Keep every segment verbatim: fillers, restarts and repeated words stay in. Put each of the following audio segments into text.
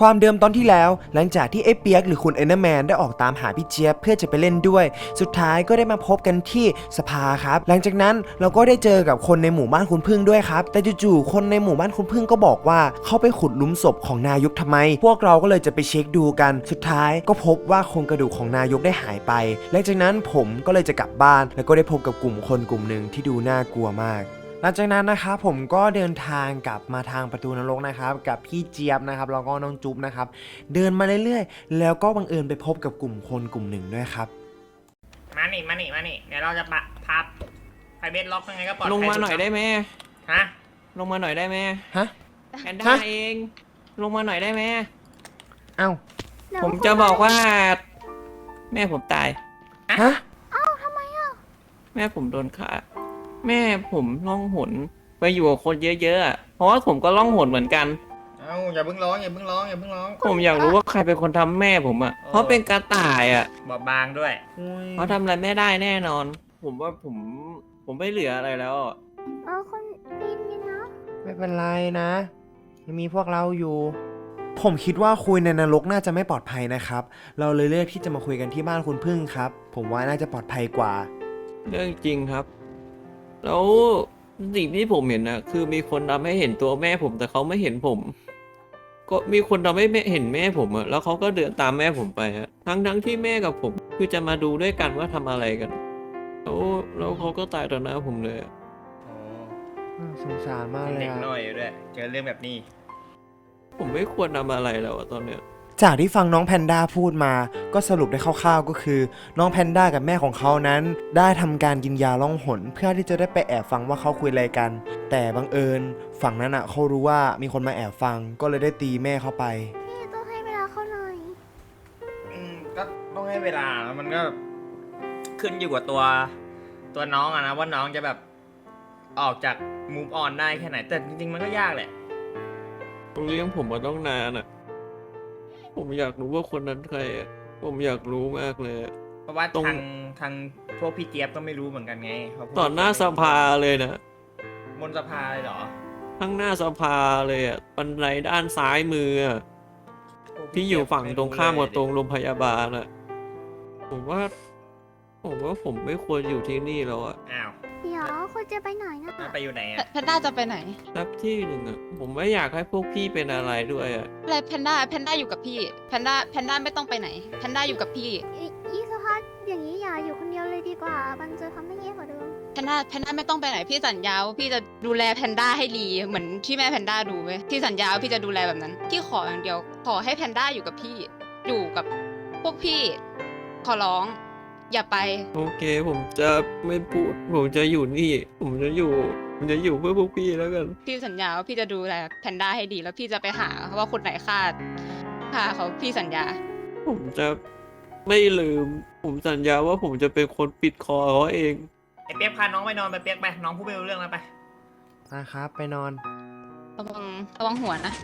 ความเดิมตอนที่แล้วหลังจากที่ไอ้เปียกหรือคุณเอนเดอร์แมนได้ออกตามหาพี่เจี๊ยบเพื่อจะไปเล่นด้วยสุดท้ายก็ได้มาพบกันที่สภาครับหลังจากนั้นเราก็ได้เจอกับคนในหมู่บ้านคุณพึ่งด้วยครับแต่จู่ๆคนในหมู่บ้านคุณพึ่งก็บอกว่าเขาไปขุดหลุมศพของนายกทำไมพวกเราก็เลยจะไปเช็คดูกันสุดท้ายก็พบว่าโครงกระดูกของนายกได้หายไปหลังจากนั้นผมก็เลยจะกลับบ้านแล้วก็ได้พบกับกลุ่มคนกลุ่มหนึ่งที่ดูน่ากลัวมากหลังจากนั้นนะครับผมก็เดินทางกลับมาทางประตูนรกนะครับกับพี่เจี๊ยบนะครับแล้วก็น้องจุ๊บนะครับเดินมาเรื่อยๆแล้วก็บังเอิญไปพบกับกลุ่มคนกลุ่มหนึ่งด้วยครับมาหนิมาหนิมาหนิเดี๋ยวเราจะปะพับไพเบสล็อกยังไงก็ปลอดภัยลงมาหน่อยได้ไหมฮะลงมาหน่อยได้ไหมฮะแพนด้าเองลงมาหน่อยได้ไหมเอ้าผมจะบอกว่า แม่ผมตายฮะเอ้าทำไมอ่ะแม่ผมโดนฆ่าแม่ผมล่องหนไปอยู่กับคนเยอะๆเพราะว่าผมก็ล่องหนเหมือนกันเอ้าอย่าเพิ่งร้องอย่าเพิ่งร้องอย่าเพิ่งร้องผมอยากรู้ว่าใครเป็นคนทำแม่ผมอ่ะเพราะเป็นกระต่ายอ่ะบอบบางด้วยเขาทำอะไรไม่ได้แน่นอนผมว่าผมผมไม่เหลืออะไรแล้วเออคนปีนนี่นะไม่เป็นไรนะยังมีพวกเราอยู่ผมคิดว่าคุยในนรกน่าจะไม่ปลอดภัยนะครับเราเลยเลือกที่จะมาคุยกันที่บ้านคุณพึ่งครับผมว่าน่าจะปลอดภัยกว่าเรื่องจริงครับแล้วสิ่งที่ผมเห็นนะคือมีคนทำให้เห็นตัวแม่ผมแต่เขาไม่เห็นผมก็มีคนทำให้เห็นแม่ผมอะแล้วเขาก็เดินตามแม่ผมไปฮะทั้งทั้งที่แม่กับผมคือจะมาดูด้วยกันว่าทำอะไรกันแล้วแล้วเขาก็ตายต่อหน้าผมเลยสงสารมากเลยเด็กน้อยอยู่ด้วยเจอเรื่องแบบนี้ผมไม่ควรทำอะไรแล้วตอนเนี้ยจากที่ฟังน้องแพนด้าพูดมาก็สรุปได้คร่าวๆก็คือน้องแพนด้ากับแม่ของเขานั้นได้ทำการกินยาล่องหนเพื่อที่จะได้ไปแอบฟังว่าเขาคุยอะไรกันแต่บังเอิญฝั่งนั้นอ่ะเขารู้ว่ามีคนมาแอบฟังก็เลยได้ตีแม่เข้าไปนี่ต้องให้เวลาเขาหน่อยอืมก็ต้องให้เวลามันก็ขึ้นอยู่กับตัวตัวน้องอะนะว่าน้องจะแบบออกจากมูฟออนได้แค่ไหนแต่จริงๆมันก็ยากแหละเลี้ยงผมมาต้องนานอ่ะผมอยากรู้ว่าคนนั้นใครอ่ะผมอยากรู้มากเลยเพราะว่าทางทางพวกพี่เจี๊ยบก็ไม่รู้เหมือนกันไงต่อหน้าสภาเลยนะบนสภาเลยเหรอทั้งหน้าสภาเลยอ่ะบันไดด้านซ้ายมือที่อยู่ฝั่งตรงข้ามกับตรงโรงพยาบาลอ่ะผมว่าผมว่าผมไม่ควรอยู่ที่นี่แล้วอ่ะอ้าวเดี๋ยวคุณจะไปไหนนะไปอยู่ไหนอ่ะแพนด้าจะไปไหนสักที่หนึ่งอ่ะผมไม่อยากให้พวกพี่เป็นอะไรด้วยอ่ะอะไรแพนด้าแพนด้าอยู่กับพี่แพนด้าแพนด้าไม่ต้องไปไหนแพนด้าอยู่กับพี่ยี่สภาพอย่างนี้อย่าอยู่คนเดียวเลยดีกว่ามันจะทำให้แย่กว่าเดิมแพนด้าแพนด้าไม่ต้องไปไหนพี่สัญญาว่าพี่จะดูแลแพนด้าให้ดีเหมือนที่แม่แพนด้าดูไหมพี่สัญญาว่าพี่จะดูแลแบบนั้นพี่ขออย่างเดียวขอให้แพนด้าอยู่กับพี่อยู่กับพวกพี่ขอร้องอย่าไปโอเคผมจะไม่พูดผมจะอยู่นี่ผมจะอยู่ผมจะอยู่เพื่อพวกพี่แล้วกันพี่สัญญาว่าพี่จะดูแลแพนด้าให้ดีแล้วพี่จะไปหาว่าคนไหนฆ่าฆ่าเขาพี่สัญญาผมจะไม่ลืมผมสัญญาว่าผมจะเป็นคนปิดคอเขาเองไอ้เปี๊ยกพาน้องไปนอนไปเปี๊ยกไปน้องพูดไม่รู้เรื่องแล้วไปนะครับไปนอนระวังระวังหัวนะ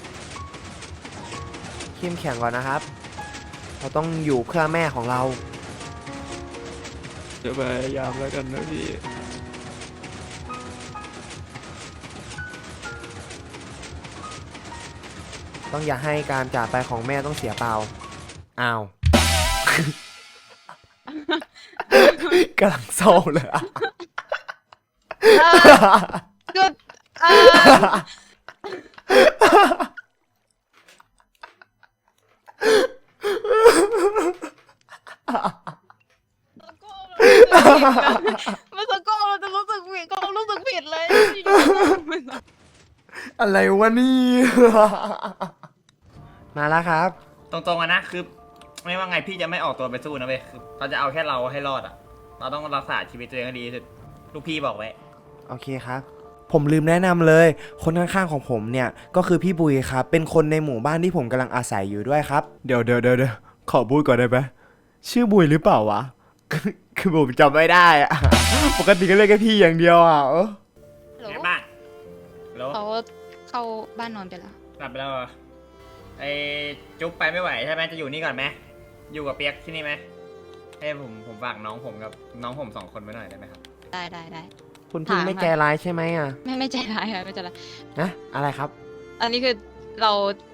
เข้มแข็งก่อนนะครับเราต้องอยู่เพื่อแม่ของเราจะพยายามแล้วกันนะพี่ต้องอย่าให้การจากไปของแม่ต้องเสียเปล่าอ้าวกำลังเศร้าเลยอ่ะก็มันสะก้อเราจะรู้สึกผิดก็รู้สึกผิดเลยอะไรวะนี่มาแล้วครับตรงๆนะคือไม่ว่าไงพี่จะไม่ออกตัวไปสู้นะเว้ยคือเราจะเอาแค่เราให้รอดอ่ะเราต้องรักษาชีวิตตัวเองให้ดีที่สุดลูกพี่บอกไว้โอเคครับผมลืมแนะนำเลยคนข้างๆของผมเนี่ยก็คือพี่บุยครับเป็นคนในหมู่บ้านที่ผมกำลังอาศัยอยู่ด้วยครับเดี๋ยวเดี๋ยวเดี๋ยวขอบุยก่อนได้ไหมชื่อบุยหรือเปล่าวะคือผมจำไม่ได้อะปกติก็เรียกแค่พี่อย่างเดียวอ่ะเออไหนบ้านเขาเข้าบ้านนอนไปแล้วกลับไปแล้วไอ้จุ๊บไปไม่ไหวใช่ไหมจะอยู่นี่ก่อนไหมอยู่กับเปียกที่นี่ไหมให้ผมผมฝากน้องผมกับน้องผมสองคนไว้หน่อยได้ไหมครับได้ได้ได้คุณพึ่งไม่ใจร้ายใช่ไหมอ่ะไม่ไม่ใจร้ายค่ะไม่ใจร้ายนะอะไรครับอันนี้คือเรา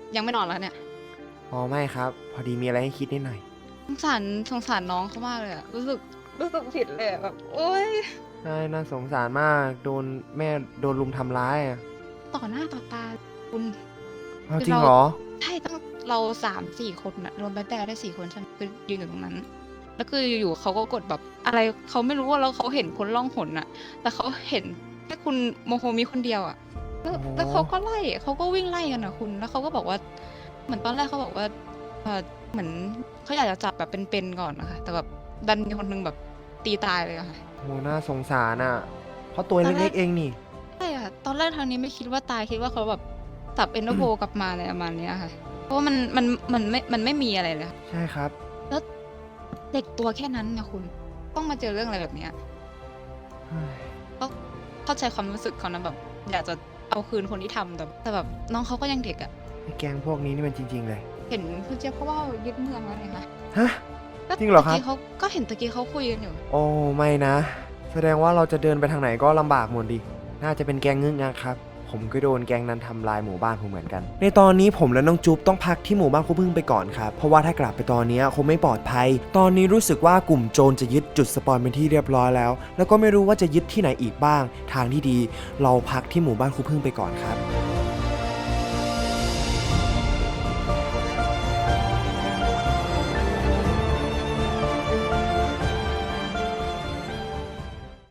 ยังไม่นอนแล้วเนี่ยอ๋อไม่ครับ พอดีมีอะไรให้คิดนิดหน่อยสงสารสงสารน้องเขามากเลยอะรู้สึกรู้สึกผิดเลยอะแบบโอ๊ยใช่น่าสงสารมาก โดนแม่โดนลุมทำร้ายอ่ะต่อหน้าต่อตาคุณเอาจริงเหรอใช่ตั้งเราสามสี่คนอะรวมแบทแบร์ได้สี่คนใช่ไหมคือยืนอยู่ตรงนั้น แล้วคืออยู่ๆเขาก็กดแบบอะไรเขาไม่รู้ว่าแล้วเขาเห็นคนล่องหนอะแต่เขาเห็นแค่คุณโมโฮมิคนเดียวอะแล้วโอ้แล้วเขาก็ไล่เขาก็วิ่งไล่กันอะคุณ แล้วเขาก็บอกว่า เหมือนตอนแรกเขาบอกว่าเออเหมือนเขาอยากจะจับแบบเป็นๆก่อนนะคะแต่แบบดันมีคนหนึงแบบตีตายเลยอะค่ะโหน่าสงสารอ่ะ เพราะตัวตอนแรกเล็กๆเองนี่ใช่ค่ะตอนแรกทางนี้ไม่คิดว่าตายคิดว่าเขาแบบจับเอ็นโดโบกลับมาอะไรประมาณเนี้ยค่ะ เพราะว่ามันมันมันไม่มันไม่มีอะไรเลยค่ะใช่ครับแล้วเด็กตัวแค่นั้นนะคุณต้องมาเจอเรื่องอะไรแบบเนี้ยเฮ้ยก็เข้าใจความรู้สึกเขานะแบบ อยากจะเอาคืนคนที่ทำแต่แต่แบบน้องเขาก็ยังเด็กอะไอ้แกงพวกนี้นี่มันจริง ๆ เลยเห็นคุณเจี๊ยบเขาว่ายึดเมืองแล้วไงคะฮะก็จริงเหรอครับตะกี้เขาก็เห็นตะกี้เขาคุยกันอยู่โอ้ไม่นะ แสดงว่าเราจะเดินไปทางไหนก็ลำบากหมดดิ น่าจะเป็นแกงงึกงักครับ ผมก็โดนแกงนั้นทำลายหมู่บ้านผมเหมือนกัน ในตอนนี้ผมและน้องจุ๊บต้องพักที่หมู่บ้านครูพึ่งไปก่อนครับ เพราะว่าถ้ากลับไปตอนนี้คงไม่ปลอดภัย ตอนนี้รู้สึกว่ากลุ่มโจรจะยึดจุดสปอนเป็นที่เรียบร้อยแล้ว แล้วก็ไม่รู้ว่าจะยึดที่ไหนอีกบ้าง ทางที่ดี เราพักที่หมู่บ้านครูพึ่งไปก่อนครับ